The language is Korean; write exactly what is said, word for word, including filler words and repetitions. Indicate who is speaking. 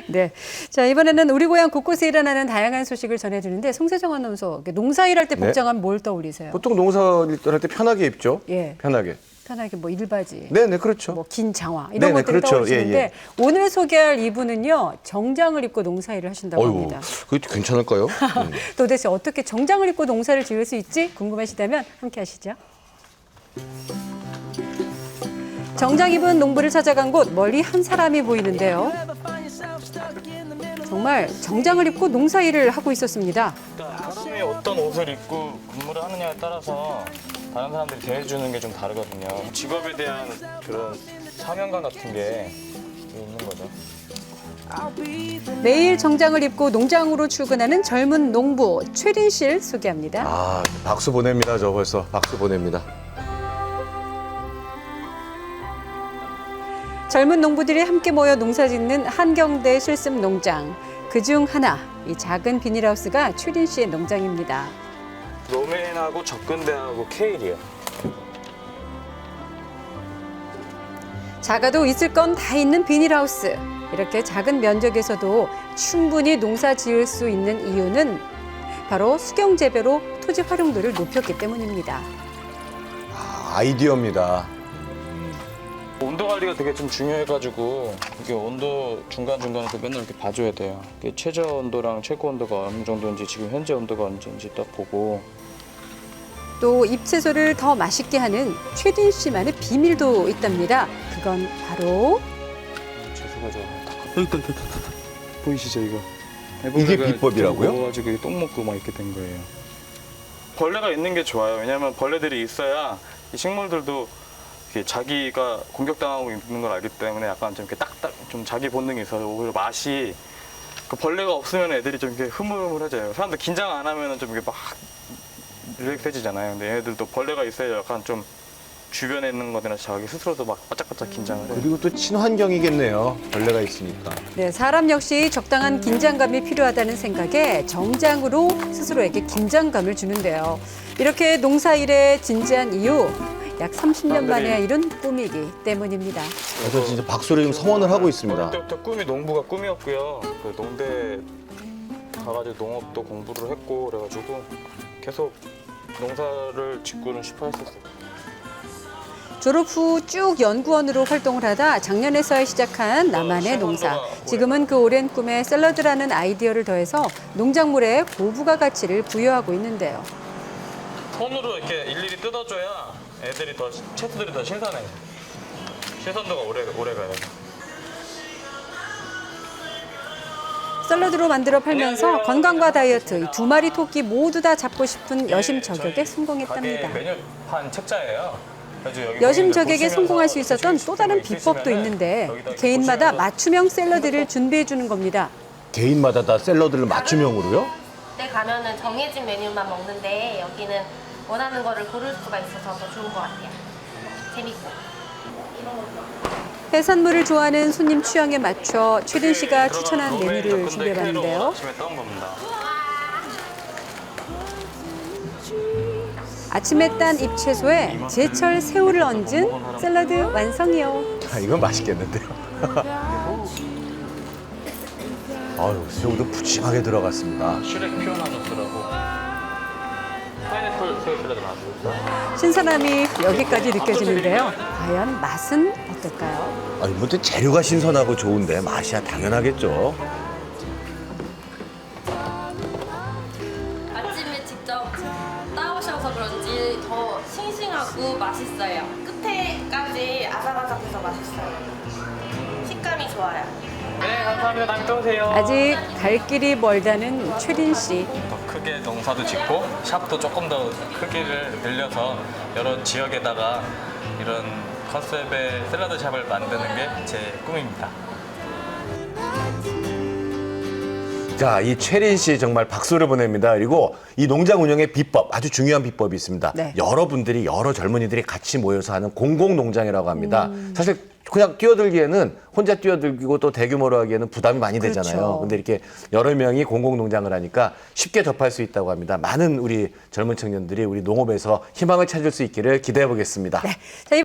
Speaker 1: 네. 자, 이번에는 우리 고향 곳곳에 일어나는 다양한 소식을 전해드리는데 송세정 아나운서, 농사일할 때
Speaker 2: 네.
Speaker 1: 복장하면 뭘 떠올리세요?
Speaker 2: 보통 농사일 때 편하게 입죠.
Speaker 1: 예.
Speaker 2: 편하게.
Speaker 1: 편하게 뭐 일바지,
Speaker 2: 네네, 그렇죠.
Speaker 1: 뭐 긴 장화 이런
Speaker 2: 네네,
Speaker 1: 것들이
Speaker 2: 그렇죠.
Speaker 1: 떠오르시는데
Speaker 2: 예, 예.
Speaker 1: 오늘 소개할 이분은요 정장을 입고 농사일을 하신다고
Speaker 2: 어이구,
Speaker 1: 합니다.
Speaker 2: 그게 괜찮을까요? 음.
Speaker 1: 도대체 어떻게 정장을 입고 농사를 지을 수 있지 궁금하시다면 함께 하시죠. 정장 입은 농부를 찾아간 곳 멀리 한 사람이 보이는데요. 정말 정장을 입고 농사일을 하고 있었습니다.
Speaker 3: 사람이 어떤 옷을 입고 근무를 하느냐에 따라서 다른 사람들이 대해주는 게 좀 다르거든요. 직업에 대한 그런 사명감 같은 게 있는 거죠.
Speaker 1: 매일 정장을 입고 농장으로 출근하는 젊은 농부 최린 씨를 소개합니다.
Speaker 2: 아, 박수 보냅니다. 저 벌써 박수 보냅니다.
Speaker 1: 젊은 농부들이 함께 모여 농사짓는 한경대 실습 농장. 그중 하나, 이 작은 비닐하우스가 최린 씨의 농장입니다.
Speaker 3: 로맨하고 접근대하고 케일이에요.
Speaker 1: 작아도 있을 건 다 있는 비닐하우스. 이렇게 작은 면적에서도 충분히 농사 지을 수 있는 이유는 바로 수경 재배로 토지 활용도를 높였기 때문입니다.
Speaker 2: 아, 아이디어입니다.
Speaker 3: 온도 관리가 되게 좀 중요해가지고 이게 온도 중간중간에서 맨날 이렇게 봐줘야 돼요. 이게 최저 온도랑 최고 온도가 어느 정도인지 지금 현재 온도가 언제인지 딱 보고
Speaker 1: 또 잎채소를 더 맛있게 하는 최린 씨만의 비밀도 있답니다. 그건 바로
Speaker 3: 채소가 좀 여기 있다, 있다, 있다. 보이시죠 이거?
Speaker 2: 이게 비법이라고요?
Speaker 3: 먹어가지고 똥 먹고 막 이렇게 된 거예요. 벌레가 있는 게 좋아요. 왜냐하면 벌레들이 있어야 이 식물들도 이렇게 자기가 공격당하고 있는 걸 알기 때문에 약간 좀 이렇게 딱딱 좀 자기 본능이 있어서 오히려 맛이 그 벌레가 없으면 애들이 좀 이렇게 흐물흐물해져요. 사람들 긴장 안 하면은 좀 이렇게 막 릴렉스해지잖아요. 근데 얘네들도 벌레가 있어야 약간 좀 주변에 있는 거나 자기 스스로도 막 바짝바짝 긴장을 해요.
Speaker 2: 그리고 또 친환경이겠네요. 벌레가 있으니까.
Speaker 1: 네, 사람 역시 적당한 긴장감이 필요하다는 생각에 정장으로 스스로에게 긴장감을 주는데요. 이렇게 농사일에 진지한 이유, 약 삼십 년 만에 이룬 꿈이기 때문입니다.
Speaker 2: 그래서 진짜 박수를 지금 성원을 하고 있습니다.
Speaker 3: 어릴 때부터 꿈이 농부가 꿈이었고요. 그 농대 가가지고 농업도 공부를 했고 그래가지고 계속 농사를 짓고는 싶어 했었어요.
Speaker 1: 졸업 후 쭉 연구원으로 활동을 하다 작년에 서야 시작한 나만의 농사. 지금은 그 오랜 꿈에 샐러드라는 아이디어를 더해서 농작물에 고부가 가치를 부여하고 있는데요.
Speaker 3: 손으로 이렇게 일일이 뜯어줘야 애들이 더 채소들이 더 신선해요. 신선도가 오래 오래 가요.
Speaker 1: 샐러드로 만들어 팔면서
Speaker 3: 안녕하세요.
Speaker 1: 건강과 다이어트 이 두 마리 토끼 모두 다 잡고 싶은 여심 저격에
Speaker 3: 저희
Speaker 1: 성공했답니다.
Speaker 3: 가게 메뉴판 책자예요. 그래서 여기
Speaker 1: 여심
Speaker 3: 보시면서
Speaker 1: 저격에 성공할 수 있었던
Speaker 3: 드시고
Speaker 1: 또 다른
Speaker 3: 싶은 거
Speaker 1: 비법도
Speaker 3: 있으시면은
Speaker 1: 있는데
Speaker 3: 여기다 이렇게
Speaker 1: 개인마다
Speaker 3: 보시면서
Speaker 1: 맞춤형 샐러드를 준비해 주는 겁니다.
Speaker 2: 개인마다 다 샐러드를 맞춤형으로요?
Speaker 4: 때 가면은 정해진 메뉴만 먹는데 여기는 원하는 거를 고를 수가 있어서 더 좋은 것 같아요. 재밌고.
Speaker 1: 해산물을 좋아하는 손님 취향에 맞춰 최린 씨가 추천한
Speaker 3: 로맨
Speaker 1: 메뉴를
Speaker 3: 접근대
Speaker 1: 준비해봤는데요.
Speaker 3: K로 아침에 떠온 겁니다.
Speaker 1: 아침에 딴 잎채소에 제철 새우를 얹은 샐러드 완성이요.
Speaker 2: 아, 이건 맛있겠는데요. 아유, 새우도 푸짐하게 들어갔습니다.
Speaker 3: 슈렉 피어나노스라고 파인애플 새우 샐러드 나왔습니다.
Speaker 1: 신선함이 여기까지 느껴지는데요. 과연 맛은 어떨까요?
Speaker 2: 아니, 뭐 재료가 신선하고 좋은데 맛이야 당연하겠죠.
Speaker 4: 아침에 직접 따오셔서 그런지 더 싱싱하고 맛있어요. 끝에까지 아삭아삭해서 맛있어요. 식감이 좋아요.
Speaker 3: 네, 감사합니다. 다음에 또 오세요.
Speaker 1: 아직 갈 길이 멀다는 최린 씨.
Speaker 3: 더 크게 농사도 짓고 샵도 조금 더 크기를 늘려서 여러 지역에다가 이런 컨셉의 샐러드 샵을 만드는 게 제 꿈입니다.
Speaker 2: 자, 이 최린 씨 정말 박수를 보냅니다. 그리고 이 농장 운영의 비법, 아주 중요한 비법이 있습니다.
Speaker 1: 네.
Speaker 2: 여러분들이, 여러 젊은이들이 같이 모여서 하는 공공농장이라고 합니다. 사실 그냥 뛰어들기에는 혼자 뛰어들기고 또 대규모로 하기에는 부담이 많이 되잖아요.
Speaker 1: 그렇죠.
Speaker 2: 근데 이렇게 여러 명이 공공농장을 하니까 쉽게 접할 수 있다고 합니다. 많은 우리 젊은 청년들이 우리 농업에서 희망을 찾을 수 있기를 기대해 보겠습니다.
Speaker 1: 네. 자,